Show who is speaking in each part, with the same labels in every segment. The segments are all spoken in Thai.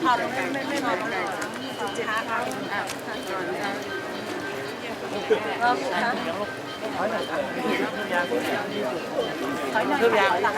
Speaker 1: อดไม่ถอดเลยช้าค่ะถอยหน่อยหลัง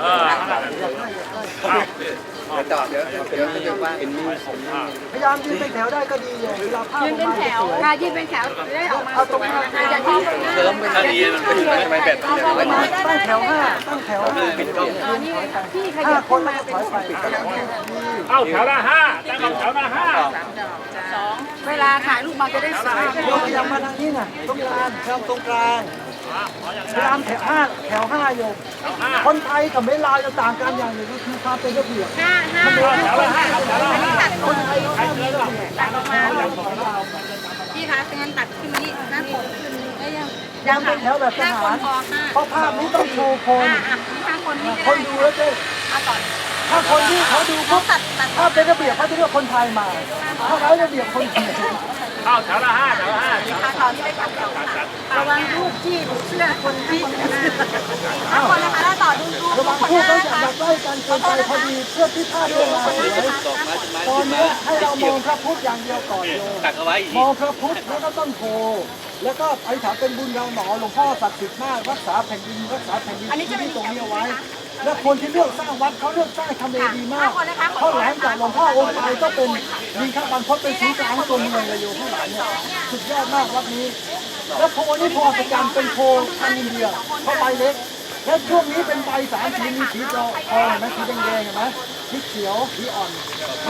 Speaker 2: จอดเดี๋ยวไม่เยอะว่าเป็นมีของ
Speaker 3: พยายามยืนเป็นแถวได้ก็ดีเลยเวลาภาพออกมาจะสวย
Speaker 1: ยืนเป็นแถวได้ออกมา
Speaker 3: เอาตรงนี้
Speaker 1: อย่าทิ้ง
Speaker 2: เริ่มเป็นดีมันเป็นทำไมแบบนี้
Speaker 3: ตั้งแถวห้าตั้งแถวห้า
Speaker 2: เป็นกล้อง
Speaker 1: พี่ข
Speaker 3: ห้า
Speaker 1: ยับ
Speaker 3: คนแล้วก็ถอยไป
Speaker 4: เอาแถวละห้าตั้งเอาแถวละห้า
Speaker 1: เวลาถ่ายรูปมาจะได้สวย
Speaker 3: โยกพยายามมาทางนี้น่ะตรงกลางตรงกลางพยายามแถวห้าโยมคนไทยกับเมลาวจะต่างกันอย่างหนึ่งก็คือความเป็นระเบียบ
Speaker 1: ห้า
Speaker 4: แถวละห้าแถวละห้า
Speaker 1: ตัด
Speaker 3: คนไทยเขาไม่มีระเบียบ
Speaker 1: ตัดออกมาพี่คะงั้นตัดขึ้นมานี่หน้าผมขึ้น
Speaker 3: ยังเป็นแถวแบบทหารเพราะภาพนี้ต้องโชว์คนคนดูแล้วจะถ้าคนที่เขาดูปุ๊บถ้าเป็นระเบียบเขาจะเรียกคนไทยมาถ้าไร้ระเบียบคนเขียน
Speaker 4: เอาแถวละห้าแถวละห้า
Speaker 1: ระวังรูปที่เสื้อคนที่ถ้าคนนะคะถ้าต่อดู
Speaker 3: ระวังคู่เขาจะอยากได้กันเกินไปพอดีเพื่อที่ภาพจะมาสวยตอนนี้ให้เรามองพระพุทธอย่างเดียวก่อนโยม
Speaker 2: ตักเอาไว้อีก
Speaker 3: มองพระพุทธแล้วก็ต้นโพแล้วก็อธิษฐานเป็นบุญเราหนอหลวงพ่อศักดิ์สิทธิ์มากรักษาแผ่นดินที่ตรงนี้เอาไว้ และคนที่เลือกสร้างวัดเขาเลือกสร้างทำเลดีมากเพราะหลังจากหลวงพ่อองค์ไปก็เป็นดินข้าบรรพตเป็นศูนย์กลางตัวเมืองเลยโยมข้างหลังเนี่ยสุดยอดมากวัดนี้ แล้วโพนี่โพประจำเป็นโพทางอินเดียเพราะใบเล็ก และช่วงนี้เป็นใบสามสีมีสีทองเห็นไหมสีแดงๆเห็นไหมสีเขียวสีอ่อน